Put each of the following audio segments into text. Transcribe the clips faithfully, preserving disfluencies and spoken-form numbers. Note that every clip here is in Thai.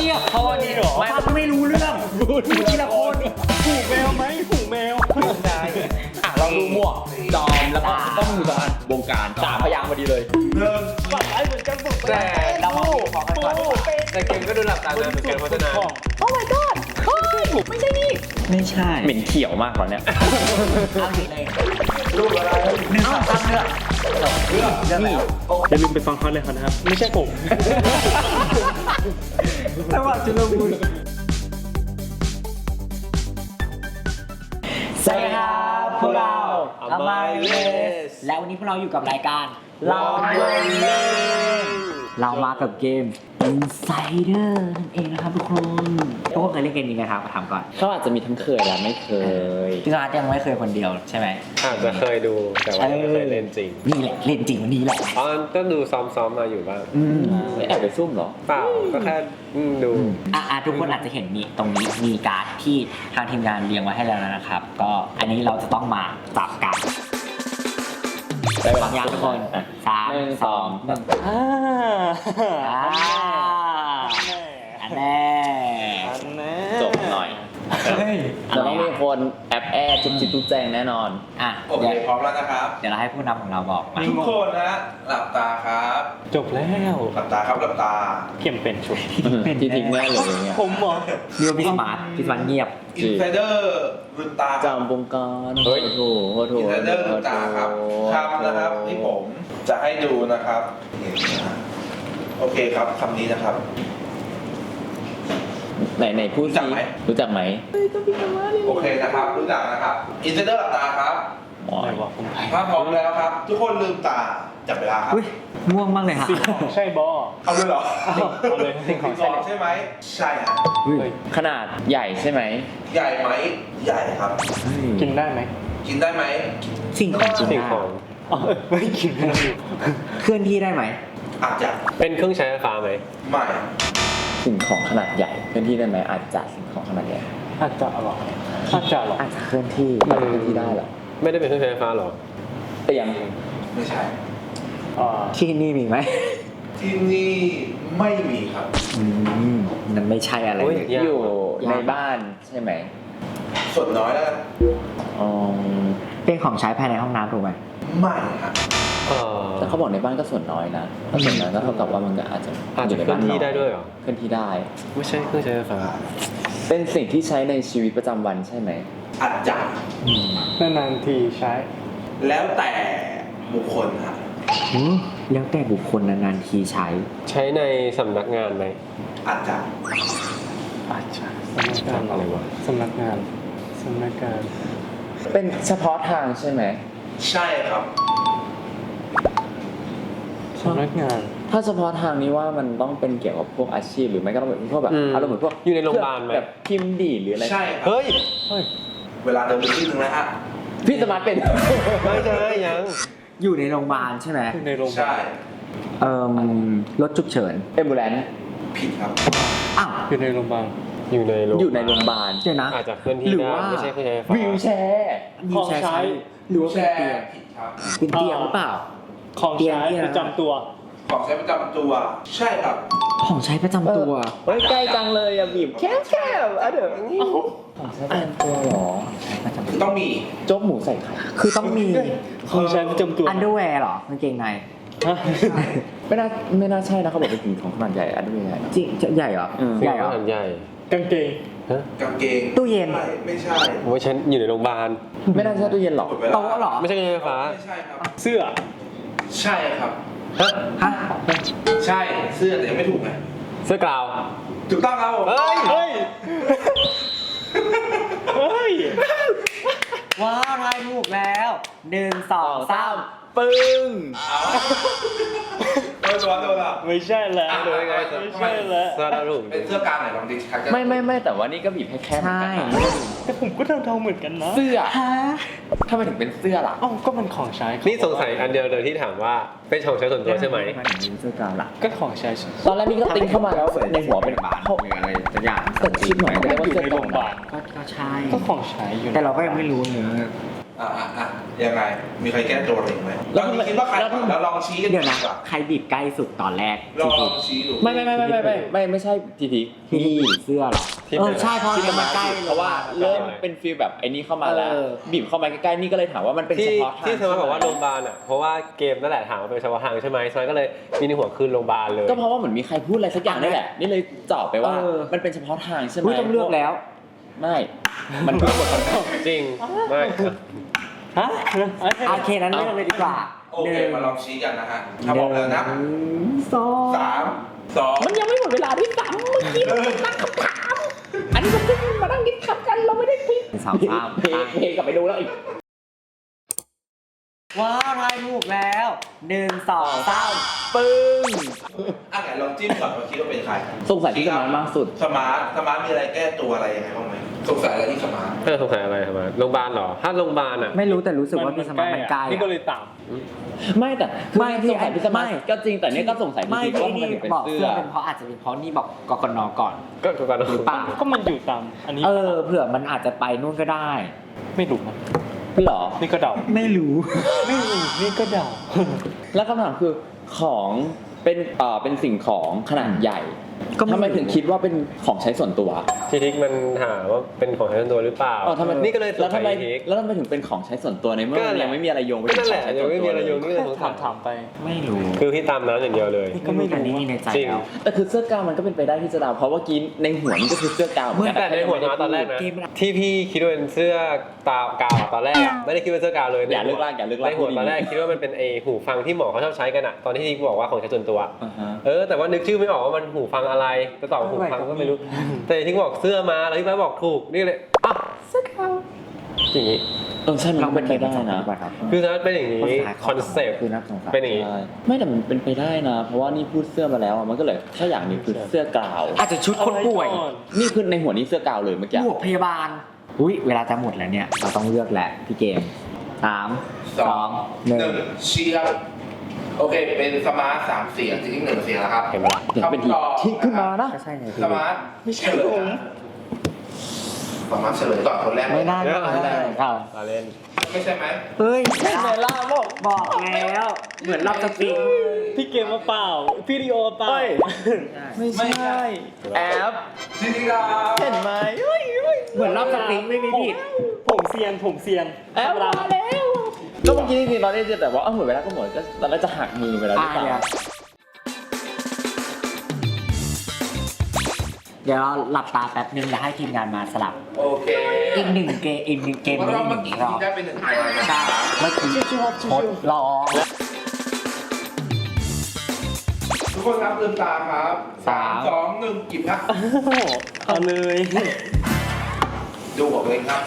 งียบเพราะว่านี่หรอฟังไม่รู้เรื่องพูดทีละคนหูแมวไหมหูแมวใช่อ่ะเราดูหมวกจอมแล้วก็ต้องมีสองอันวงการสามพยางค์พอดีเลยหนึ่งฝั่งไอ้เหมือนกันสุดแต่เราของกันก่อนแต่เกมก็ดูหลับตาเลยเหมือนกันเพราะฉะนั้นโอ้ my god เฮ้ยไม่ใช่นี่ไม่ใช่เหม็นเขียวมากตอนเนี้ยเอาอีกเลยรูปอะไรหนึ่งสองสามเลือกเลือกเลือกแล้วอย่าลืมไปฟังเขาเลยครับไม่ใช่ผมจังหวะจุลมุนสวัสดีครับพวกเราอมายเลสและวันนี้พวกเราอยู่กับรายการลองเล่นเรามากับเกม Insider นั่นเองนะครับทุกคนทุกคนเคยเล่นเกมนี้ไหมครับมาถามก่อนเขาอาจจะมีทั้งเคยและไม่เคยพี่อาร์ตยังไม่เคยคนเดียวใช่ไหมอาจจะเคยดูแต่ว่าไม่เคยเล่นจริงนี่แหละเล่นจริงวันนี้แหละอ๋อก็ดูซ้อมๆมาอยู่บ้างอืมไม่แอบไปซุ่มเหรอเปล่าก็แค่อืมดูอ่ะทุกคนอาจจะเห็นนี่ตรงนี้มีการ์ดที่ทางทีมงานเรียงไว้ให้แล้วนะครับ ก็อันนี้เราจะต้องมาจับกันได้เวพร้ลาอมยังทุกคนสามหนึ่งสสออง งหนึ่งอ่าอ่าอันแน่จบหน่อยเฮ้ยจะต้องมีคนแอบแอดจุ๊บจิ๊บจุ๊บแจงแน่นอนอ่ะโอเคเดี๋ยวพร้อมแล้วนะครับเดี๋ยวเราให้ผู้นำของเราบอกมาทุกคนนะหลับตาครับจบแล้วหลับตาครับหลับตาเข็มเป็นชุดที่ทิ้งแน่เลยอย่างเงี้ยผมเหรอเรียวพี่สมาร์ทพี่สมาร์ทเงียบอินไซเดอร์ลืมตาครับจำวงการโอ้โหโอ้โหอินไซเดอร์ลืมตาครับคำนะครับที่ผมจะให้ดูนะครับเห็นนะฮะโอเคครับคำนี้นะครับไหนไหนพูดรู้จัสิกไหมรู้จักไหมโอเคนะครับรู้จักนะครับอินไซเดอร์หลับตาครับอ๋อไหนบอกผมไปถ้าพร้อมแล้วครับ ทุกคนลืมตาจับเวลาครับอุ้ยง่วงมากเลยฮะสิ่งของใช่บอเอาเลยเหรอเอาเลยสิ่งของสใช่องใช่ไหมใช่ฮะอุ้ยเลยขนาดใหญ่ใช่ไหมใหญ่ไหมใหญ่ครับกินได้ไหมกินได้ไหมสิ่งของกินสิ่งได้ของอ๋อไม่กินไม่ได้เคลื่อนที่ได้ไหมอาจจะเป็นเครื่องใช้ไฟฟ้าไหมไม่สิ่งของขนาดใหญ่เคลื่อนที่ได้ไหมอาจจะสิ่งของขนาดใหญ่อาจจะหรออาจจะหรออาจจะเคลื่อนที่มันเคลื่อนที่ได้เหรอไม่ได้เป็นเครื่องใช้ไฟฟ้าหรอเตียงไม่ใช่อ่าที่นี่มีไหมที่นี่ไม่มีครับอืมนั่นไม่ใช่อะไรโอ้ยเลยยากอยู่ในบ้านใช่ไหมส่วนน้อยแล้วกันอ๋อเป็นของใช้ภายในห้องน้ำถูกไหมไม่ครับเอ่อแต่เขาบอกในบ้านก็ส่วนน้อยนะถ้าส่วนน้อยก็เท่ากับว่ามันก็อาจจะอาจจะเคลื่อนที่ได้ด้วยเหรอเคลื่อนที่ได้ไม่ใช่เครื่องใช้ไฟฟ้าเป็นสิ่งที่ใช้ในชีวิตประจำวันใช่ไหมอาจจะนานๆทีใช้แล้วแต่บุคคลครับหือแล้วแต่บุคคลนานๆทีใช้ใช้ในสำนักงานไหมอาจจะอาจจะสำนักงานอะไรวะสำนักงานสำนักงานเป็นเฉพาะทางใช่ไหมใช่ครับสำนักงานถ้าเฉพาะทางนี้ว่ามันต้องเป็นเกี่ยวกับพวกอาชีพหรือไม่ก็ต้องเป็นพวกแบบอืมอารมณ์เหมือนพวกอยู่ในโรงพยาบาลไหมแบบพิมพ์ดีดหรืออะไรใช่ครับเฮ้ยเฮ้ยเวลาเดินไปที่หนึ่งแล้วฮะพี่สมาร์ทเป็นไม่ใช่ยังอยู่ในโรงพยาบาลใช่ไหมอยู่ในโรงพยาใช่บาลเอ่อรถฉุกเฉินเอมบูแลนผิดครับอ้าวอยู่ในโรงพยาบาลอยู่ในโรงอยู่ในโรงพยาบาลเดี๋ยวนะอาจจะเคลื่อนที่หรือได้ว่าไม่ใช่เครื่องใช้ไฟฟ้าวิวแชร์มีแชร์ใช้หรือว่าแชเป็นร์เตียงผิดครับเป็นเตียงหรือเปล่าของเตียงใช้ที่อะไรประจำตัวของใช้ประจำตัว ใช่ครับของใช้ประจำตัวเฮ้ยใกล้จังเลยอะบีบแคบแคบอ่ะเดี๋ยวของใช้ประจำตัวเหรอใช้ประจำคืตัอวต้องมีโจ๊กหมูใส่ไข่คือต้องมีของใช้ประจำตัวอันเดอร์แวร์เหรอกางเกงในฮะไม่น่าไม่น่าใช่นะเขาบอกเป็นสิ่งของขนาดใหญ่อันนี้ใหญ่นะจริงจะใหญ่เหรออืมใหญ่เหรอขนาดใหญ่กางเกงฮะกางเกงตู้เย็นไม่ไม่ใช่โอ้ยฉันอยู่ในโรงพยาบาลไม่น่าใช่ตู้เย็นหรอกหมดเวลาโต๊ะเหรอไม่ใช่เครื่องใช้ไฟฟ้าไม่ใช่ครับเสื้อใช่ครับฮะฮะใช่เสื้อแต่ยังไม่ถูกไงเสื้อกาวถูกต้องครับผมเฮ้ยเฮ้ย เฮ้ยว้าวทายถูกแล้วหนึ่งสองสามปึ้งเอาโดนตัวโดนอ่ะไม่ใช่แล้วอ่ะดูยังไงไม่ใช่แล้วเสื้อเราถูกเป็นเสื้อกาวไหนลองดิครับไม่ไม่ไม่แต่ว่านี่ก็บีบให้แคบเหมือนใช่กันนะแต่ผมก็เดาๆเหมือนกันนะเสื้อฮะทำไมถึงเป็นเสื้อล่ะอ้าวก็มันของใช้นี่สงสัยอันเดียวเลยที่ถามว่าเป็นของใช้ส่วนตัวใช่ไหมนถึงเสื้อกาวล่ะก็ของใช้ตอนแรกนี่ก็ติ้งเข้ามาแล้วในหัวเป็นบาทหรืออะไรสักอย่างแต่คิดหน่อยก็ได้ว่าอยู่เสื้อในกโรล่องงพยาบาลก็ก็ใช่ก็ของใช้อยู่แต่เราก็ยังไม่รู้เนื้อออ่ะอ่ะอ่ะยังไงมีใครแก้ตัวเองไหมตอนนี้คิดว่าใครแล้วลองชี้กันเดี๋ยวนะกว่าใครบีบใกล้สุดตอนแรกลองลองชี้ดูไม่ไม่ไม่ไม่ไม่ไม่ไม่ไม่ใช่ทีทีที่นี่เสื้อเหรอเออใช่เพราะที่มันมาใกล้เพราะว่าเริ่มเป็นฟีลแบบไอ้นี่เข้ามาแล้วเออบีบเข้ามาใกล้ๆนี่ก็เลยถามว่ามันเป็นที่เฉพาะทางที่เธอมาบอกว่าโรงพยาบาลอ่ะเพราะว่าเกมนั่นแหละถามว่าเป็นเฉพาะทางใช่ไหมซอยก็เลยมีในหัวคืนโรงพยาบาลเลยก็เพราะว่าเหมือนมีใครพูดอะไรสักอย่างนี่แหละนี่เลยเจาะไปว่ามันเป็นเฉพาะทางใช่ไหมอุ้ยต้องเลือกแล้วไม่มันคือหมดคำตอบจริงไม่ฮะโอเคนั้นเลือกเลยดีกว่าโอเคมาลองชี้กันนะฮะถ้าบอกแล้วนะหนึ่งสองสามสองมันยังไม่หมดเวลาด้วยซ้ำเมื่อกี้มันตั้งคำถามอันนี้มันเพิ่งมานั่งดิสคัสกันเราไม่ได้คุยสามสามเพลงเพลงกลับไปดูแล้วอีกว้าวทายถูกแล้วหนึ่งสองสามปึ้งอ่ะไหนลองจิ้มก่อนว่าคิดว่าเป็นใครสงสัยที่สมานมากสุดสมาร์ทสมาร์ทมีอะไรแก้ตัวอะไรยังไงบ้างไหมสงสัยอะไรที่สมาร์ทเออสงสัยอะไรทำไมโรงพยาบาลเหรอถ้าโรงพยาบาลอ่ะไม่รู้แต่รู้สึกว่าพี่สมัครมันใกล้นี่ก็เลยตามไม่แต่ไม่คือสงสัยพิสมัไม่ยก็จริงแต่เนี่ยก็สงสัยไม่พี่ว่าที่ทำไมนี่ถึงเป็นบอกเสื้เสื้ออเป็นเพราะอาจจะเป็นเพราะนี่บอกกกนก่อนก็ก็การหรือเปล่าก็มันอยู่ตาม อันนี้เออเผื่อมันอาจจะไปนู่นก็ได้ไม่รู้นะพี่หรอนี่ก็เดาไม่รู้ไม่รู้นี่ก็เดาแล้วคำถามคือของเป็นเอ่อเป็นสิ่งของขนาดใหญ่ก็ไม่ทำไมถึงคิดว่าเป็นของใช้ส่วนตัวทีทิกมันถามว่าเป็นของใช้ส่วนตัวหรือเปล่าเออทำไมนี่ก็เลยสแล้วงสัทำยไมทีทิกแล้วทำไมถึงเป็นของใช้ส่วนตัวในเมื่อก็มันนั่นแหยัละงไม่มีอะไรโยงไปก็ถึนั่งนขแหองละใช้ยัส่งวนไม่ตัวมีอะไรโยงเลนี่ยเลยสงสัถาย มถามไปไม่รู้คือพี่ตามนั้นอย่างเดียวเลยก็ไม่รู้แต่นี่ในใจจริงแล้วแต่คือเสื้อกาวมันก็เป็นไปได้ที่จะเดาเพราะว่ากินในหัวนี่ก็คือเสื้อกาวเหมือนกันแต่ในหัวมาตอนแรกนะเกมอะไรที่พี่คิดว่าเป็นเสื้อกาวกาวอะตอนแรกอะไม่ได้คิดว่าเสื้อกาวเลยอย่าเลิกลากอย่าเลิกลากในหัวตอนแรกคิดว่ามันเป็นไอหูฟังที่หมอเขาชอบใช้กันอะตอนที่ทิกบอกว่าของใช้ส่วนตัวอ่าฮะเออแต่ว่านึกชื่อไม่ออกว่ามันหูฟังอะไรจะตอบหูฟังก็ไม่รู้ แต่ที่บอกเสื้อมาแล้วที่ไปบอกถูกนี่เลยอ่ะเสื้อกาวอย่างนี้เออใช่มันเราก็เป็เป็น นเกไปมได้ภาษานะป่ะครับคือถ้าเป็นอย่างนี้คอนเซปต์คือนักสงสารเป็นอย่างนี้ใช่ไม่แต่มันเป็นไปได้นะ เพราะว่านี่พูดเสื้อมาแล้วอะมันก็เลยถ้าอย่างนี้คือเสื้อกาวอาจจะชุดคนป่วยเอาไก่อนนี่คือในหัวนี่เสื้อกาวเลยเมื่อกี้หมวกพยาบาล อุ้ยเวลาจะหมดแล้วเนี่ย เราต้องเลือกแหละพี่เกมสามสองหนึ่งหนึ่งชี้ครับโอเคเป็นสมาร์ทสามเสียงจริงๆหนึ่งเสียงแล้วครับเห็นไหมล่ะเดี๋ยวเป็นทีคำตอบที่ขึ้นมานะก็ใช่ไงสมาร์ทไม่ใช่ผมสมาร์ทเฉลยก่อนคนแรกไม่ได้ไม่ได้ครับมาเล่นไม่ใช่ไหมเฮ้ยเวลาบอกบอกแล้ว เหมือนรับสปริงพี่เกมมาเปล่า พี่ดิโอมาเปล่าเฮ้ย ไม่ใช่แอปจริงๆครับเห็นไหมเฮ้ยเฮ้ยเหมือนรับสปริงไม่มีผิดผมเซียนผมเซียนแอปมาแล้วก็เมื่อกี้นี่เราได้แต่ว่าเออหมดเวลาก็หมดก็ตอนแรกจะหักมือไปแล้วหรือเปล่าอ่ะ เดี๋ยวเราหลับตาแป๊บนึงแล้วให้ทีมงานมาสลับโอเคอีกหนึ่งเกมอีกหนึ่งเกมเพราะนี้เราหเมื่อนึ่งกี้รอบได้เป็นหนึ่งคะแนนนะใช่เมื่อกี้ทดลองทุกคนครับลืมตาครับสามสองหนึ่งกิบครับเอาเลยดูของตัวเองครับ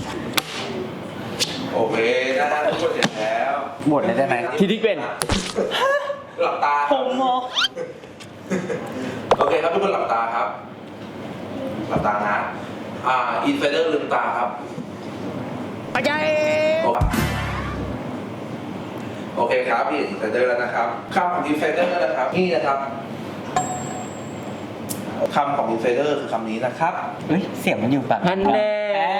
โอเคนะฮะทุกคนเสร็จแล้วหมดเลยได้ไหมทีที่เป็นหลับตาผมเหรอโอเคครับทุกคนหลับตาครับ หลับตานะ อ่าอินไซเดอร์ลืมตาครับไปใจโอเคครับพี่อินไซเดอร์แล้วนะครับคำของอินไซเดอร์นะครับนี่นะครับคำของอินไซเดอร์คือคำนี้นะครับเฮ้ยเสียงมันอยู่แบบฮันแน่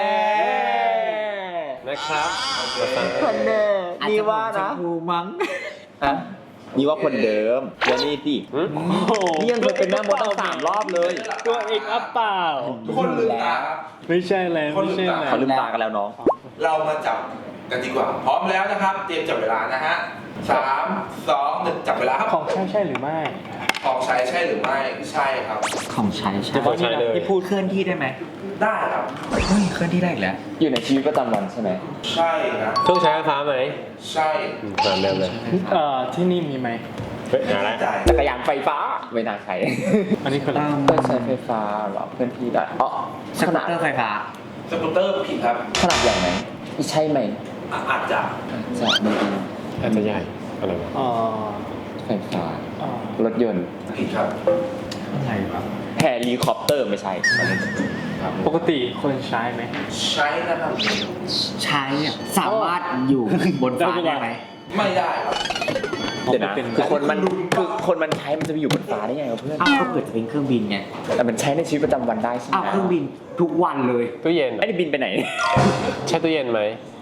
นะครับฮันแน่อาจนี่จะว่าชนะมพูมั้งอ่ะนี่ว่าคนเดิมแล้วนี่สิหืมโอ้โหนี่ยังเคยเป็นแม่มดตั้งสามรอบเลยตัวเองอัพเปล่าทุกคนลืมตาครับไม่ใช่แล้วไม่ใช่แล้วเขาลืมตากันแล้วน้องเรามาจับกันดีกว่า พร้อมแล้วนะครับ เตรียมจับเวลานะฮะสามสองหนึ่งจับเวลาครับของใช่ใช่หรือไม่ของใช้ใช่หรือไม่ใช่ครับของใช้ใช่เดี๋ยวนี่นะที่พูดเคลื่อนที่ได้ไหมได้ครับเฮ้ยเคลื่อนที่ได้อีกแล้วอยู่ในชีวิตประจำวันใช่ไหมใช่นะเครื่องใช้ไฟฟ้าไหมใช่อืมตามเดิมเลยเอ่อที่นี่มีไหมเฮ้ยหาแล้วใจจักรยานไฟฟ้าไม่น่าใช้อันนี้คืออะไรเพื่อใช้ไฟฟ้าเหรอเพื่อนที่ได้อ๋อสขกูตนาดเตอร์ไฟฟ้าสกูตเตอร์ผิดครับขนาดใหญ่ไหมใช่ไหมอ่ะอาจจะจะไม่ดีอาจจะใหญ่อะไรวะอ๋อไฟฟ้าอ๋อรถยนต์ผิดครับอะไรวะแฮลิคอปเตอร์ไม่ใช่ปกติคนใช้ไหมใช้นะครับใช้อะสามารถอยู่บนฟ้าได้ไหมไม่ได้ครับเดี๋ยวนะคือคนมันคือคนมันใช้มันจะไปอยู่บนฟ้าได้ไงวะเพื่อนอ้าวก็เกิดจะเป็นเครื่องบินไงแต่มันใช้ในชีวิตประจำวันได้ใช่ไหมอ้าวเครื่องบินทุกวันเลยตู้เย็นไอ้นี่บินไปไหนใช่ตู้เย็นไหม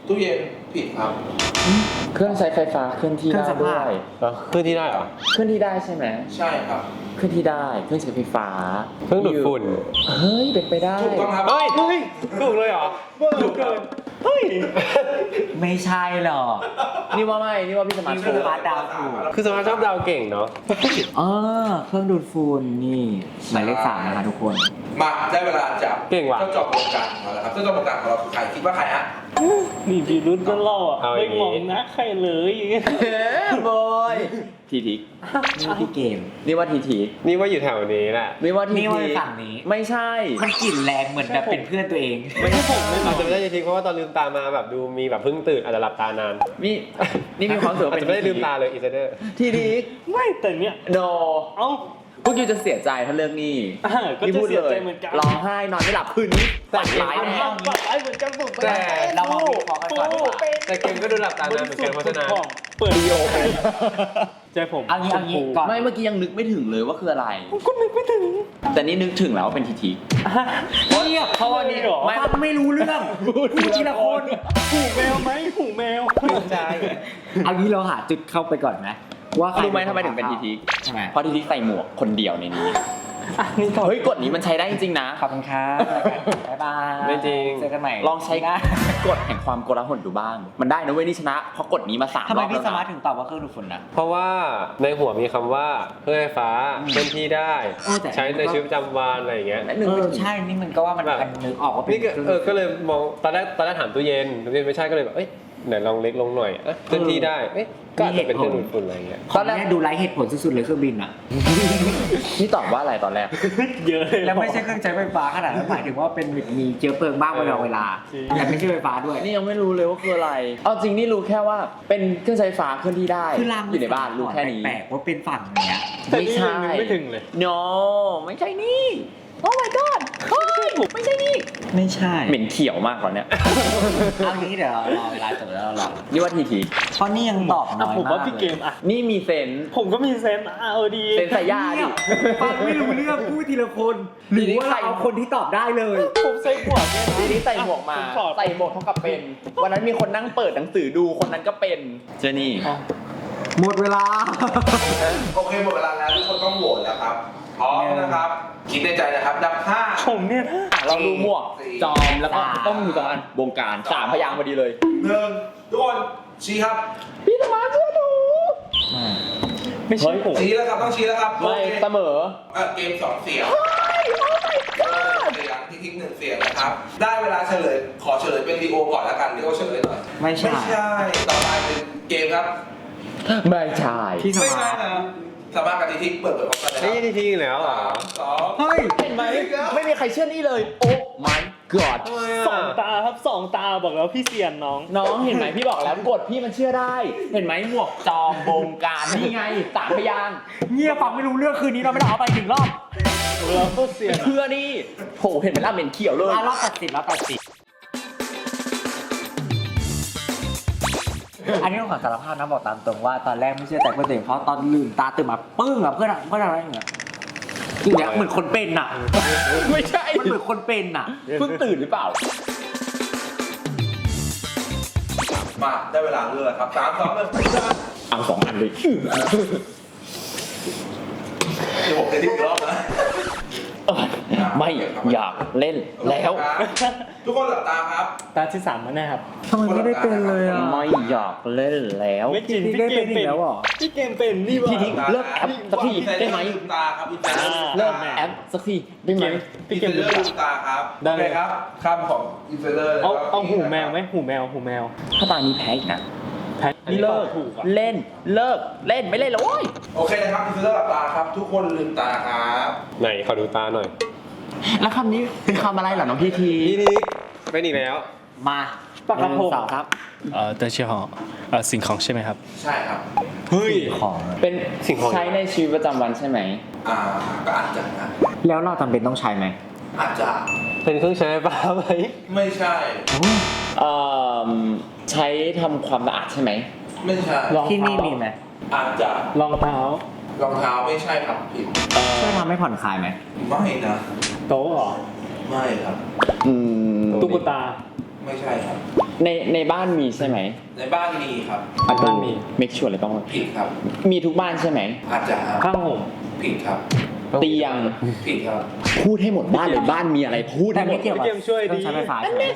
ตู้เย็นผิดครับเครื่องใช้ไฟฟ้าเคลื่อนที่เครื่ได้องซักด้ผ้าวยแล้วขึ้นที่ได้เหรอเคลื่อนที่ได้ใช่ไหมใช่ครับเคลื่อนที่ได้เครื่องใช้ไฟฟ้าเครื่องดูดฝุ่นเฮ้ยเป็นไปได้ถูกต้องครับเฮ้ยเฮ้ยถูกเลยเหรอถูกครับเฮ้ยไม่ใช่หรอกนี่ว่าไม่นี่ว่าพี่สมาร์ทนี่ถูคืกอ บาสดาวถูกคือสมาร์ทชอบดาวเก่งเนาะเออเครื่องดูดฝุ่นนี่หมายเลขสามนะคะทุกคนมาได้เวลาจับเก่งว่ะเจ้าจอมวงการของเราแล้วครับเจ้าจอมวงการของเราคือใครคิดว่าใครฮะนี่พี่รุ่นก็เล่าอ่ะเอาอไม่ย่างงี้มองนะใครเลยอย่างเงี้ยเฮ้ยบอยทีทิกนี่พี่เกมนี่ว่าทีทิกนี่ว่าอยู่แถวนี้แหละนี่ว่าทีนี่ว่าทิกฝั่งนี้ไม่ใช่มันกลิ่นแรงเหมือนแบบเป็นเพื่อนตัวเองไม่ใช่ผมไม่อาจจะไม่ได้จริงๆเพราะว่าตอนลืมตามาแบบดูมีแบบเพิ่งตื่นอาจจะหลับตานานนี่นี่มีความรู้สึกว่าอาจเป็นจะไม่ได้ลืมตาเลยอีเซเดอร์ทีทิกไม่แต่เนี้ยโนเอ้าพวกยูจะเสียใจถ้าเรื่องนี้อ่าก็จะเสียใจเหมือนกันร้องไห้นอนไม่หลับคืนนี้ฝันร้ายไอ้แน่เอาปากไอ้เหมือนกันผมแต่เรามาวิเคราะห์กันก่อนดีกว่าแต่เกมก็ดูหลับตานานเหมือนกันเพราะฉะนั้นเปิดดีโอใจผมเอางี้เอางี้ก่อนไม่เมื่อกี้ยังนึกไม่ถึงเลยว่าคืออะไรก็นึกไม่ถึงแต่นี่นึกถึงแล้วว่าเป็นทีทิกเงียบเพราะว่านี่เหรอฟังไม่รู้เรื่องพูดทีละคนหูแมวไหมหูแมวใช่เอางี้เราหาจุดเข้าไปก่อนไหมว่าใครรู้ไหมทำไมถึงเป็นทีทิกใช่ไหมเพราะทีทิกใส่หมวกคนเดียวในนี้อ่ะนี่ต่อเฮ้ยกฎนี้มันใช้ได้จริงๆนะขอบคุณครับบ๊ายบายไม่จริงเจอกันใหม่ลองใช้นะกฎแห่งความโกลาหลดูบ้าง มันได้นะเว้ยนี่ชนะ เพราะกฎนี้มาสามทำรไมอบพี่แล้วสมาร์ทนะถึงตอบว่าเครื่องดูดฝุ่นนะเพราะว่าในหัวมีคำว่าเครื่องไฟฟ้าเคลื่อนที่ได้เออแต่ใช้ในชีวิตประจำวันอะไรอย่างเงี้ยและหนึ่งเอไม่อถึงใช่นี่มันก็ว่ามันแบบมันนึกออกว่าเป็นนี่ก็เออก็เลยมองตอนแรกตอนแรกถามตู้เย็นตู้เย็นไม่ใช่ก็เลยแบบเอ้ยไหนลองเล็กลงหน่อยอ่ะเคลื่อนที่ได้เอ๊ะก็อาจจะเป็นเครื่องดูดฝุ่นอะไรอย่างเงี้ยตอนแรกดูไร้เหตุผลสุดๆเลยเครื่องบินอ่ะนี่ตอบว่าอะไรตอนแรกเยอะเลยแล้วไม่ใช่เครื่องใช้ไฟฟ้าขนาดนั้นหมายถึงว่าเป็นมีเชื้อเพลิงบ้างเวลาเวลาจริงแต่ไม่ใช่ไฟฟ้าด้วยนี่ยังไม่รู้เลยว่าคืออะไร เอาจริงนี่รู้แค่ว่าเป็นเครื่องใช้ไฟฟ้าเคลื่อนที่ได้คือรางอยู่ในบ้านรู้แค่นี้แปลกๆว่าเป็นฝั่งเนี้ยแต่นี่ไม่ใช่ยังนึกไม่ถึงเลย no ไม่ใช่นี่ โอ้ my god เฮ้ยไม่ใช่นี่ไม่ใช่เหม็นเขียวมากกว่าเนี้ยเอางี้เดี๋ยวเรารอเวลาจบแล้วเรารอนี่ว่าทีทีเพราะนี่ยังตอบน้อยผมมากว่าพี่เกมอ่ะนี่มีเซนส์ผมก็มีเซนส์อ่ะเออดีเซนส์สายยาดิฟังไม่รู้เรื่องพูดทีละคนหรือว่าเราเอาคนที่ตอบได้เลยผมใส่หมวกเนี่ยนะทีนี้ใส่หมวกมาผถอดใส่หมวกเท่ากับเป็น วันนั้นมีคนนั่งเปิดหนังสือดูคนนั้นก็เป็นเจนี่อ๋อหมดเวลาโอเคหมดเวลาแล้วทุกคนต้องโหวตแล้วครับพร้อมนะครับคิดในใจนะครับนับห้าผมเนี่ยนะอ่ะลองดูหมวก จอมแล้วก็ต้องมีสองอันบงการสามพยางค์พอดีเลยหนึ่งทุกคนชี้ครับพี่สมาร์ทเชื่อหนูไม่ใช่ผมชี้แล้วครับต้องชี้แล้วครับไม่โอเคเสมอเอ่อเกมสองเสียงเสียงทิ้งๆหนึ่งเสียงนะครับ ได้เวลาเฉลยขอเฉลยเป็นลีโอก่อนแล้วกันลีโอเฉลยหน่อยไม่ใช่ไม่ใช่ต่อไปเป็นเกมครับไม่ใช่พี่สไม่มาใช่ร์ทนะสามารถกับทีทิกเปิดเปิดพร้อมกันเลยคนี่รับที่ทิ้งแล้วเหรอสามสองเฮ้ยเห็นไหมไม่มีใครเชื่อนี่เลย โอ้ my god ทำไมสองอ่ะตาครับสองตาบอกแล้วพี่เซียนน้องน้องเห็นไหมพี่บอกแล้วกดพี่มันเชื่อได้ เห็นไหมหมวกจอมบงการนี่ไงสามพยางค์เงียบฟังไม่รู้เรื่องคืนนี้เราไม่ต้องเอาไปถึงรอบเราก็เซียนเชื่อนี่โหเห็นไหมล่ะเหม็นเขียวเลยอ่ะรอบตัดสินรอบตัดสินอันนี้ต้องขอสารภาพนะบอกตามตรงว่าตอนแรกไม่เชื่อแต่เพื่อนตัวเองเพราะตอนลืมตาตื่นมาปึ้งอะเพื่อนอะเพื่อนอะไรอย่างเงี้ยอย่างเงี้ยเหมือนคนเป็นอะไม่ใช่มันเหมือนคนเป็นอะเพิ่งตื่นหรือเปล่ามาได้เวลาเลือกครับสามสองหนึ่งเอาสองอันเลยเดี๋ยวผมจะทิ้งอีกรอบนะเออไม่อยากเล่นแล้วทุกคนหลับตาครับตาที่สามมาแน่ครับทำไมไม่ได้เป็นเลยอะไม่อยากเล่นแล้วไม่จริงพี่พี่ได้เกเป็มนอีเป็กนแล้วเหรอพี่เกมเป็นนี่วะพี่ทิ้งเลิกแอปสักทีได้ไหมลืมตาครับพี่แจ๊คเลิกแอปสักทีได้ไหมพี่เกมเลืเป็นอกลืมตาครับได้เลยโอคครับคำของอินเฟลเลอร์เอาเอาหูแมวไหมหูแมวหูแมวถ้าตานี้แพ้อีกนะแพ้นี่เลิกถูกอ่ะเล่นเลิกเล่นไม่เล่นแล้วโว้ยโอเคนะครับอินเฟลเลอร์หลับตาครับ ทุกคนลืมตาครับไหนขอดูตาหน่อยแล้วคำนี้เป็นคำอะไรเหรอน้องพี่ทีพี่ทิ้งเป็นอีกแล้วมาปากกระพงหนึ่งสองครับเอ่อเตอร์เชียหอเอ่อสิ่งของใช่ไหมครับใช่ครับเฮ้ยของเป็นสิ่งของใช้ในชีวิตประจำวันใช่ไหมอ่าก็อาจจะนะแล้วเราจำเป็นต้องใช้ไหมอาจจะเป็นเครื่องใช้ไฟฟ้าไหมไม่ใช่เอ่อใช้ทำความสะอาดใช่ไหมไม่ใช่รองที่เท้านี่มีไหมอาจจะรองเท้ารองเท้าไม่ใช่ครับผิดเอ่อช่วยทำให้ผ่อนคลายไหมไม่นะโต๊ะเหรอไม่ครับอืมตุ๊กตาไม่ใช่ครับในในบ้านมีใช่ไหมในบ้านมีครับประตูเมคชัวร์เลยต้องผิดครับมีทุกบ้านใช่ไหมอาจจะครับผ้าห่มผิดครับเตียงผิดครับพูดให้หมดบ้านเลยบ้านมีอะไรพูดแต่ให้หมไม่ดเกี่ยวกับพี่เกมช่วยเครื่ดีองใช้ไฟฟ้าใช่ไหม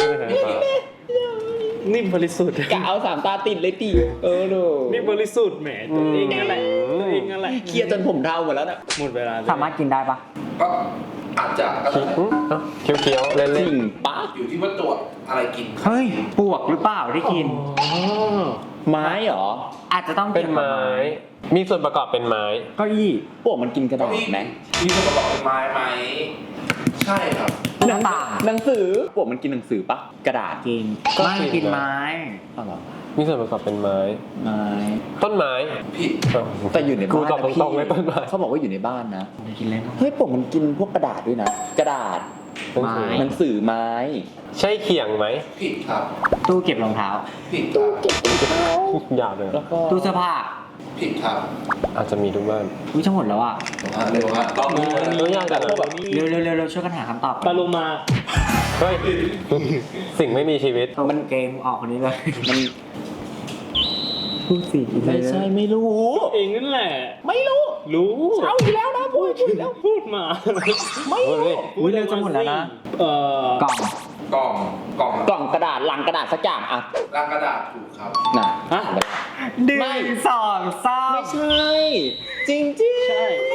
นี่บริสุทธิ์กะเอาสามตาติดเลยตีเออดูนี่บริสุทธิ์แหมตัวเองนั่นแหละตัวเองนั่นแหละเคลียร์จนผมเทาหมดแล้วน่ะหมดเวลาเลยสามารถกินได้ปะก็อาจจะก็ได้เคี้ยวเคี้ยวๆเล่นจเล่รินงปะอยู่ที่ว่าตรวจอะไรกินเฮ้ยปวกหรือเปล่าได้กินอ๋อไม้เหรออาจจะต้องเป็นกี่ยวกับไม้ มีส่วนประกอบเป็นไม้เก้าอี้พวกมันกินกระดาษไหมมีส่วนประกอบเป็นไม้ไหมใช่ครับหน้าต่างหนังสือพวกมันกินหนังสือปะกระดาษกินก็ไม่กินกินไม้อ๋อเหรอมีส่วนประกอบเป็นไม้ไม้ต้นไม้ผิดแต่อยู่ในกูบ้านตอบนะตพี่รงๆเลยต้นไม้เขาบอกว่าอยู่ในบ้านนะกินเลยมั้งเฮ้ยพวกมันกินพวกกระดาษด้วยนะ กระดาษหนังสือหนังสือไม้ใช่เขียงไหมผิดครับตู้เก็บรองเท้าผิดครับหยาบเลยแล้วก็ตู้เสื้อผ้าผิดครับอาจจะมีทุกบ้านอุ้ยจะหมดแล้วอ่ะอ่ะเร็วครับต้องรู้ตัวอย่างแต่พวกแบบเร็วเร็วเร็วเร็วช่วยกันหาคำตอบปลาโลมาเฮ้ย สิ่งไม่มีชีวิตมันเกมออกคนนี้เลยมันพูดสิไม่ใช่ไม่รู้เองนั่นแหละไม่รู้รู้เอาอีกแล้วนะพูดพูดแล้วพูดมาไม่รู้อุ้ยเร็วจะหมดแล้วนะเอ่อกล่องกล่องกล่องกล่องกระดาษลังกระดาษสักอย่างอะลังกระดาษถูกครับน่ะฮะดึงไม่สองสามไม่ใช่ จริงจริงใช่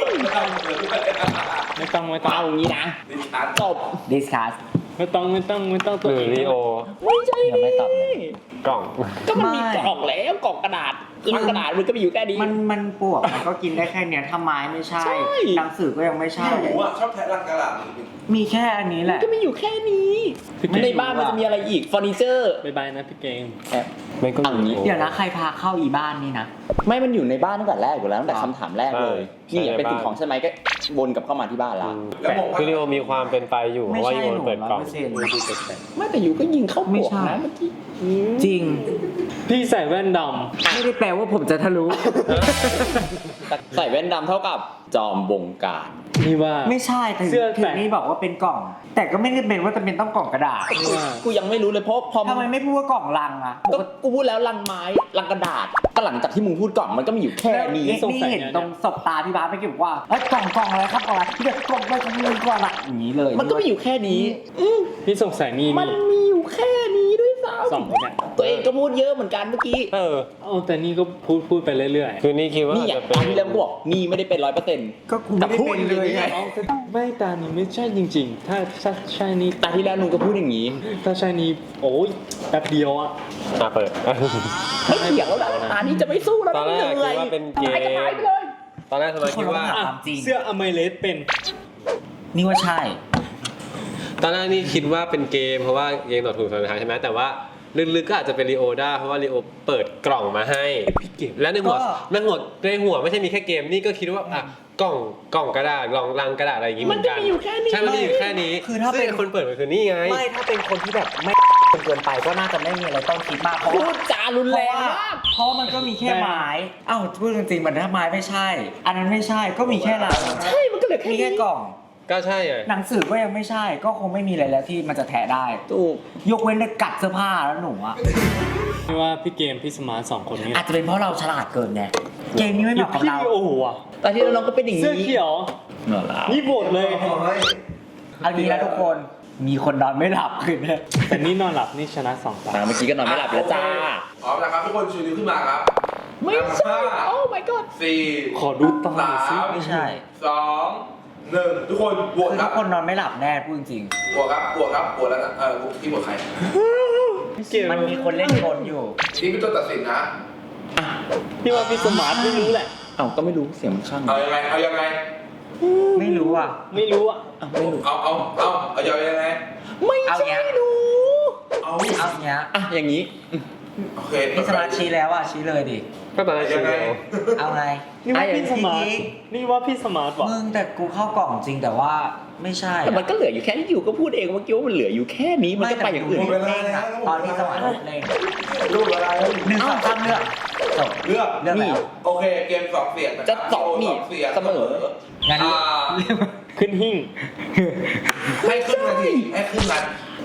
ไม่ต้องไม่ต้องเอางี้นะดิฉันจบดิสคัสไม่ต้องไม่ต้องไม่ต้องหตัวรือเองลีโอไม่ใช่ยังไม่ตอบเลยกล่องก็มันมีไม่กล่องแล้วกล่องกระดาษลังกระดาษมันก็มีอยู่แค่นี้มันมันปวกมันก็กินได้แค่เนี้ยถ้าไม้ไม่ใช่ใช่หนังสือก็ยังไม่ใช่หนูอ่ะชอบแทะลังกระดาษมีแค่อันนี้แหมันละก็มีอยู่แค่นี้ ในบ้านมันจะมีอะไรอีกเฟอร์นิเจอร์บายบายนะพี่เกมไม่ก็เอางี้เดี๋ยวนะใครพาเข้าอีบ้านนี่นะไม่มันอยู่ในบ้านตั้งแต่แรกอยู่แล้วตั้งแต่คำถามแรกเลยใช่นี่ใช่เป็นสิ่งของใช่ไหมก็วนกลับเข้ามาที่บ้านละแล้วบอกว่าคือลีโอมีความเป็นไปอยู่ เพไม่ราะว่าใช่ลีโอหนูเปิดกล่องร้อยเปอร์เซ็นต์ไม่แต่อยู่ก็ยิงเข้าไม่ปวกใช่นะเมื่อกี้จริงพี่ใส่แว่นดไม่ได้แปลว่าผมจะทะลุใส่แว่นดำเท่ากับจอมบงการำนี่ว่าไม่ใช่ถึงเสื้อถึแตะงนี่บอกว่าเป็นกล่อง แต่ก็ไม่ได้เป็นว่าจะเป็นต้องกล่องกระดาษนี่ว่ากูยังไม่รู้เลยเพราะพอทำไมไม่พูดว่ากล่องลังอะก็กูพูดแล้วลังไม้ลังกระดาษ ก็หลังจากที่มึงพูดกล่องมันก็มีอยู่แค่นี้นี่นี่เห็นตรงศพตาพี่บาสไปบอกว่าเอ้ยกล่องกล่องอะไรครับกล่องอะไรเด็กกล่องไปกล่องนึงก่อนอะอย่างนี้เลยมันก็มีอยู่แค่นี้อืมพี่สงสัยนี่มันนี่มีอยู่แค่นี้ด้วยซ้สองเนี่ยำตัวเองก็พูดเยอะเหมือนกันเมื่อกี้เออเอาแต่นี่ก็พูดพูดไปเรื่อยๆคือนี่คิดว่านี่อาจอ่ะจะเป็นตอนที่แล้วกูบอกนี่ไม่ได้เป็นร้อยเปอร์เซ็นต์ก็กูไม่ได้เป็นเลยไงเอาแต่ไม่ตานี่ไม่ใช่จริง ๆ ถ้าถ้าใช่นี่ตาที่แล้วนุ่งก็พูดอย่างนี้ถ้าใช่นี่โอ้ยแป๊บเดียวอะอ่ะเปิดไม่เถียงแล้วนะตานี้จะไม่สู้แล้วตอนแรกเหนื่อยคิดว่าเป็นเกมตายก็ตายไปเลยตอนแรกสมัยคิดว่าอ่ะ ความจริงเสื้ออเมเลสเป็นนี่ว่าใช่ตอนแรกนี่คิดว่าเป็นเกมเพราะว่าเกมตอบถูกสุดท้ายใช่ไหมแต่ว่าลึกๆก็อาจจะเป็นลีโอได้เพราะว่าลีโอเปิดกล่องมาให้และในหัวก็ในหัวในหัวไม่ใช่มีแค่เกมนี่ก็คิดว่าอ่ะกล่องกล่องกระดาษกล่องลังกระดาษอะไรอย่างงี้เหมือนกันมันก็มีอยู่แค่นี้ใช่มันมีอยู่แค่นี้คือถ้าเป็นซึ่งคนเปิดมันคือนี่ไงไม่ถ้าเป็นคนที่แบบไม่เกินไปก็น่าจะไม่มีอะไรต้องคิดมากเพราะพูว่าดจารุนเพแรราะงว่ามากเพราะมันก็มีแค่ไม้อ้าวพูดจริงๆมันถ้าไม้ไม่ใช่ อันนั้นไม่ใช่ก็มีแค่หลังใช่มันก็เหลือแค่มีนี้แค่กล่องก็ใช่ไงหนังสือก็ยังไม่ใช่ ก็คงไม่มีอะไรแล้วที่มันจะแทะได้ถูกยกเว้นแต่กัดเสื้อผ้าแล้วหนูอะไม่ว่าพี่เกมพี่สมาร์ทสองคนนี้อาจจะเป็นเพราะเราฉลาดเกินไงเกมนี้ไม่หเหรือมาะกับพี่เราโอ้โหอะตาที่แล้วน้องก็เป็นอย่างนี้เสื้อเขียวเหรอแล้วนี่โบดเลยเอางี้นะทุกคนมีคนนอนไม่หลับคืนนี้แต่นี่นอนหลับนี่ชนะสองตาอ่าเมื่อกี้ก็นอนไม่หลับแล้วจ้าพร้อมนะครับทุกคนชูนิ้วขึ้นมาครับไม่ใช่ โอ้ my god สี่ขอดูตาหน่สาอยสิมไม่ใช่สองหนึ่งทุกคนบวชคือคทุรับกคนนอนไม่หลับแน่พูดจริงบวชครับบวชครับบวชแล้วนะเออที่บวชใครพี่เกมๆมันมีคนเล่นกลอยู่ที่เป็นตัวตัดสินนะพี่ว่าพี่สมาร์ทไม่รู้แหละเอ้าก็ไม่รู้เสียงมันข้างเอายังไงเอายังไงไม่รู้อ่ะไม่รู้อะอ้าวไม่รู้เอาเอาเอาเอายังไงไม่เอาใช่เงี้ยหนูเอาเอาเงี้ยอ่ะอย่างนี้โอเคนี่สมาร์ทชี้แล้วอ่ะชี้เลยดิก็ตอนแรกคิดว่าเอาไงนี่ว่าพี่สมาร์ทไอ้อย่างนี้นี่ว่าพี่สมาร์ทบอกมึงแต่กูเข้ากล่องจริงแต่ว่าไม่ใช่แต่มันก็เหลืออยู่แค่ที่อยู่ก็พูดเองเมื่อกี้ว่ามันเหลืออยู่แค่นี้มันก็ไปอย่างอื่นไม่แต่กูเล่นอะตอนที่สมาร์ทเล่นรูปอะไรหนึ่งสองสามเลือกจบเลือกเลือกแล้วโอเคเกมสองเสียงนครับจะสองนี่เสียงเสมองั้นอ่าขึ้นหิ้งให้ขึ้นนาทีให้ขึ้นนาที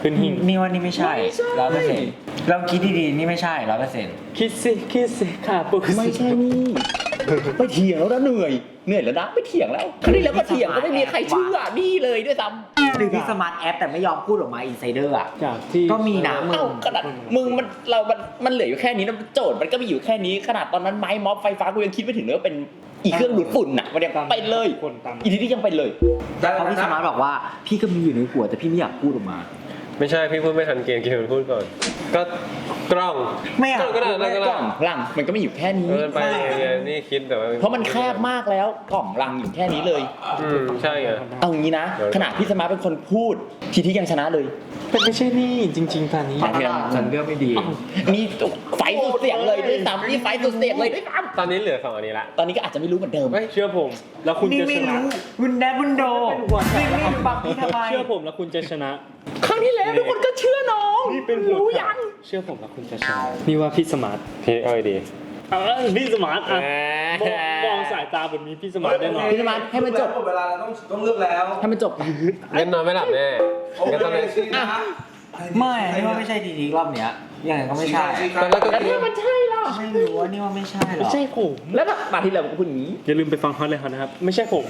ขึ้นหิ่งนี่ว่านี่ไม่ใช่ร้อยเปอร์เซ็นต์ลองคิดดีๆนี่ไม่ใช่ร้อยเปอร์เซ็นต์คิดสิคิดสิค่ะปุ๊บไม่ใช่นี่ไปเถียงแล้วนะเหนื่อยเหนื่อยแล้วนะไปเถียงแล้วครั้งที่แล้วก็เถียงก็ไม่มีใครเชื่อนี่เลยด้วยซ้ำหรือพี่สมาร์ทแอปแต่ไม่ยอมพูดออกมาอินไซเดอร์อ่ะจากที่ก็มีนะมึงเอ้าขนาดมึงมันเรา มันมันเหลืออยู่แค่นี้นะโจทย์มันก็มีอยู่แค่นี้ขนาดตอนนั้นไม้ม็อบไฟฟ้ากูยังคิดไม่ถึงเลยว่าเป็นอีเครื่องดูดฝุ่นน่ะมันยังเป็นเลยคนตามอีทีนี้ยังเป็นเลยได้เพแล้วราะพี่สนะมาร์ทบอกว่าพี่ก็มีอยู่ในหัวแต่พี่ไม่อยากพูดออกมาไม่ใช่พี่พูดไม่ทันเกมเกมมันพูดก่อน ก็กล้องไม่อยากกล้องก็ได้ไม่ก็กได้ล่องลังมันก็ไม่อยู่แค่นี้เออไปไงนี่คิดแต่ว่าเพราะมันแคบมากแล้วกล่องลังอยู่แค่นี้เลยอืมใช่ไงเอางี้นะ ขนาดพี่สมาร์ทเป็นคนพูดทีที่ยังชนะเลยแต่ไม่ใช่นี่จริงๆตอนนี้อ่ะทีละฉันเลือกไม่ดีมีไฟสุดเสียงเลยด้วยซ้ำมีไฟสุดเสียงเลยด้วยซ้ตอนนี้เหลือสองอันนี้ละำตอนนี้ก็อาจจะไม่รู้เหมือนเดิมเฮ้ยเชื่อผม แล้วคุณนี่จะไม่ชนะรู้วุนแดบุนโดเป็นหัวใจนี่ไม่บังพี่ทำไมเชื่อผมแล้วคุณจะชนะครั้งที่แล้วทุกคนก็เชื่อน้องนี่เป็นหัวรู้ใจยังเชื่อผมแล้วคุณจะชนะนี่ว่าพี่สมาร์ทพี่เอ้ยดีเออพี่สมาร์ทอ่ะมองมองสายตาแบบนี้พี่สมาร์ทแน่นอนพี่สมาร์ทให้มันจบหมดเวลาแล้วต้องต้องเลือกแล้วให้มันจบงั้นนอนไม่หลับแน่โองั้นตอนเคนี้สินะไม่นี่ว่าไม่ใช่ทีทีรอบเนี้ยยังไงก็ไม่ใช่ตอนแรกก็แล้วคิดถ้ามันใช่ล่ะไม่รู้ว่านี่ว่าไม่ใช่หรไม่อกใช่ผมแล้วถ้ามาที่แล้วก็พูดอย่างนี้อย่าลืมไปฟังฮอตเลยฮอตนะครับ ไม่ใช่ผม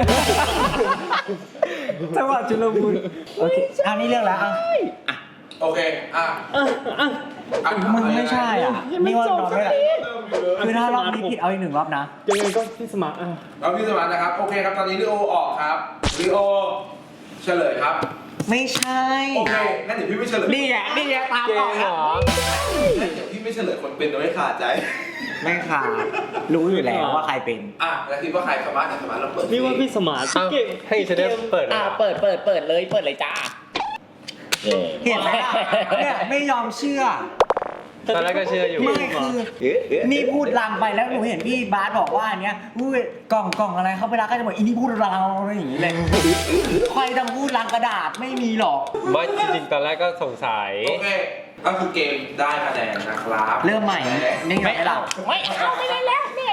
จังหวะจุลมุนโอเคอันนี้เลือกแล้วอ่ะโอเคอ่ะอ่ะอ่ะอ่ะมึงไม่ใช่อ่ะนี่ว่านอนไม่หลับเริ่มอยู่เลยคือถ้ารอบนี้ผิดเอาอีกหนึ่งรอบนะยังไงก็พี่สมาร์ทอ่ะเราพี่สมานนะครับ โอเคครับ ตอนนี้ลีโอออกครับลีโอเฉลยครับไม่ใช่โอเค งั้นเดี๋ยวพี่ไม่เฉลยนี่ไงนี่ไงตามเกออมกเหรแล้วองั้นเดี๋ยวพี่ไม่เฉลยคนเป็นโดยไม่ขาดใจไม่ค่ะรู้อยู่แล้วว่าใครเป็นอ่ะ แล้วคิดว่าใครสมาร์ทเนี่ยสมาร์ทเราเปิดนี่ว่าพี่สมาร์ทเอ้าเก่งให้เชเดฟเปิดเหรอ่ะอเปิดเปิดเปิดเลยเปิดเลยจ้าเห็นไหมล่ะเนี่ยไม่ยอมเชื่อตอนแรกก็เชื่ออยู่ไม่คือนี่พูดลังไปแล้วหนูเห็นพี่บาสบอกว่าอันเนี้ยอุ้ยกล่องกล่องอะไรเขาไปรักก็จะบอกอีนี่พูดลังอะไรอย่างงี้เลยใครทำพูดลังกระดาษไม่มีหรอกไม่จริงๆตอนแรกก็สงสัยโอเค ก็คือเกมได้คะแนนนะครับเริ่มใหม่นี่ไงเราไม่เอาไม่ได้แล้วเหนื่อย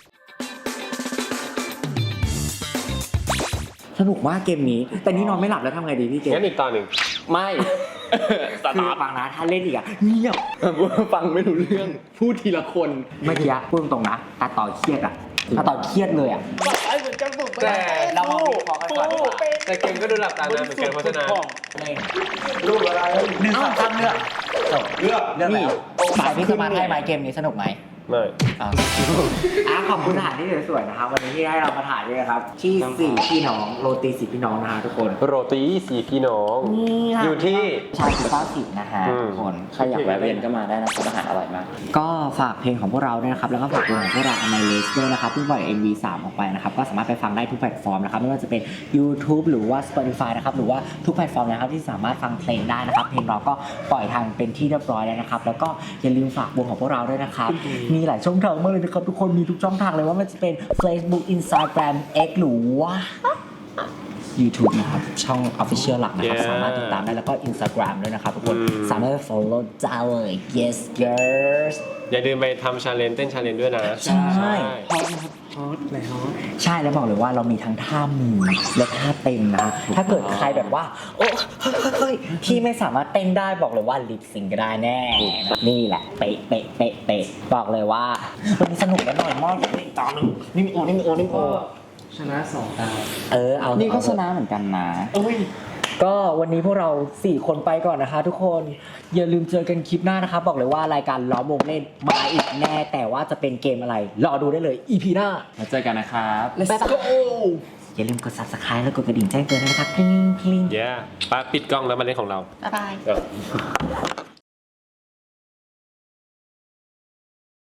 สนุกมากเกมนี้ แต่นี่นอนไม่หลับแล้วทำไงดีพี่เกมงั้นอีกตอนหนึ่งไม่สคือตาร์ทฟังนะถ้าเล่นอีกอะเงียบฟังไม่รู้เรื่อง พูดทีละคนเมื่อกี้พูดตรงๆนะตาต่อเครียดอะตาต่อเครียดเลยอะไอ้เหมือนจะบุกไปแต่เรามาวิเคราะห์กันก่อนดีกว่าแต่เกมก็ดูหลับตานานเหมือนกันเพราะฉะนั้นรูปอะไรหนึ่งสองสามเลือกจบเลือกเลือกแล้วหมายพี่สมาร์ทให้ไหมเกมนี้สนุกไหมไม่อ่ะอ่ะขอบคุณสถานที่สวยๆนะครับวันนี้ที่ให้เรามาถ่ายด้วยนะครับที่สี่พี่น้องโรตีสี่พี่น้องนะฮะทุกคนโรตีสีพี่น้องนี่ค่ะอยู่ที่ชายสุภาพสิทนะฮะอืมทุกคนใครอยากแวะเวียนก็มาได้นะครับอาหารอร่อยมากก็ฝากเพลงของพวกเราด้วยนะครับแล้วก็ฝากเพลงของพวกเราในเลสด้วยนะครับเพิ่งปล่อย เอ็ม วี สามออกไปนะครับก็สามารถไปฟังได้ทุกแพลตฟอร์มนะครับไม่ว่าจะเป็น YouTube หรือว่า Spotify นะครับหรือว่าทุกแพลตฟอร์มนะครับที่สามารถฟังเพลงได้นะครับเพลงเราก็ปล่อยทางเป็นที่เรียบร้อยแล้วนะครับแล้วก็อย่าลืมฝากวงของพวกเราด้วยนะครับมีหลายช่องทางมากเลยนะครับทุกคนมีทุกช่องทางเลยว่ามันจะเป็น Facebook Instagram X หรือว่า YouTube นะครับช่อง Official หลักนะครับ Yeah สามารถติดตามได้แล้วก็ Instagram ด้วยนะครับทุกคนอืมสามารถ follow ได้เลย yes girls อย่าลืมไปทำชาเลนจ์เต้นชาเลนจ์ด้วยนะใช่ฮอตนะครับฮอตเลยฮอตใช่แล้วบอกเลยว่าเรามีทั้งท่ามือและท่าเต้นนะ ถ้าเกิดใครแบบว่า โอ้เฮ้ยเฮ้ยเฮ้ยที่ไม่สามารถเต้นได้บอกเลยว่าลิปซิงก็ได้แน่ นี่แหละเป๊ะเป๊ะเป๊ะเป๊ะบอกเลยว่าวันนี้สนุกและหน่อยมากนี่ต่อหนึ่งนี่มีโอนี่มีโอนี่มีโอชนะสองตาเออเอานี่ก็เอาชนะเหมือนกันนะเอ้ยก็วันนี้พวกเราสี่คนไปก่อนนะคะทุกคนอย่าลืมเจอกันคลิปหน้านะคะบอกเลยว่ารายการล้อมวงเล่นมาอีกแน่แต่ว่าจะเป็นเกมอะไรรอดูได้เลย อี พี หน้ามาเจอกันนะครับ Let's go อย่าลืมกด ซับสไครบ์ แล้วกดกระดิ่งแจ้งเตือนด้วยนะครับกริ๊งกริ๊งเย้ป้าปิดกล้องแล้วมาเล่นของเราบ๊ายบายเออ